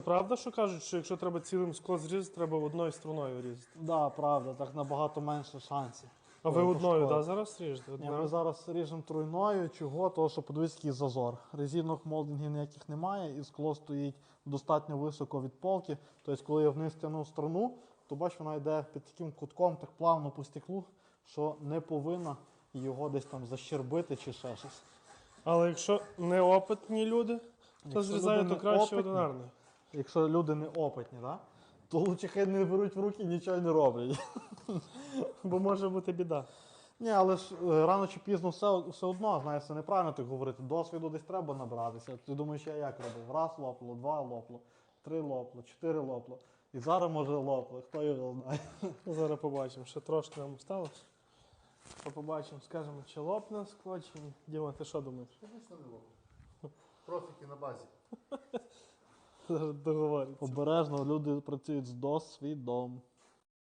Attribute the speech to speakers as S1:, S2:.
S1: Правда, що кажуть, що якщо треба цілим скло зрізати, треба одною струною різати?
S2: Так, да, правда, так набагато менше шансів.
S1: А ви одною, так, зараз ріжете?
S2: Ні, ми зараз ріжемо тройною. Чого? Тому що подивіться, який зазор. Резинок молдингів ніяких немає, і скло стоїть достатньо високо від полки. Тобто, коли я вниз тягну струну, то бач, вона йде під таким кутком, так плавно по стеклу, що не повинна його десь там защербити чи ще щось.
S1: Але якщо неопитні люди, то
S2: Якщо
S1: зрізають
S2: люди
S1: то краще
S2: неопитні,
S1: одинарною.
S2: Якщо люди не опитні, да? То лучше хай не беруть в руки і нічого не роблять.
S1: Бо може бути біда.
S2: Ні, але ж рано чи пізно все одно, знаєш, це неправильно так говорити. Досвіду десь треба набиратися. Ти думаєш, я як робив? Раз лопло, два лопло, три лопло, чотири лопло. І зараз може лопло, хто його знає.
S1: Зараз побачимо, ще трошки нам осталось. То побачимо, скажемо, чи лопне скло, чи ні. Діма, ти що думаєш?
S3: Звісно, не лопло. Профіки на базі.
S1: Зараз договориться.
S2: Обережно, люди працюють з досвідом.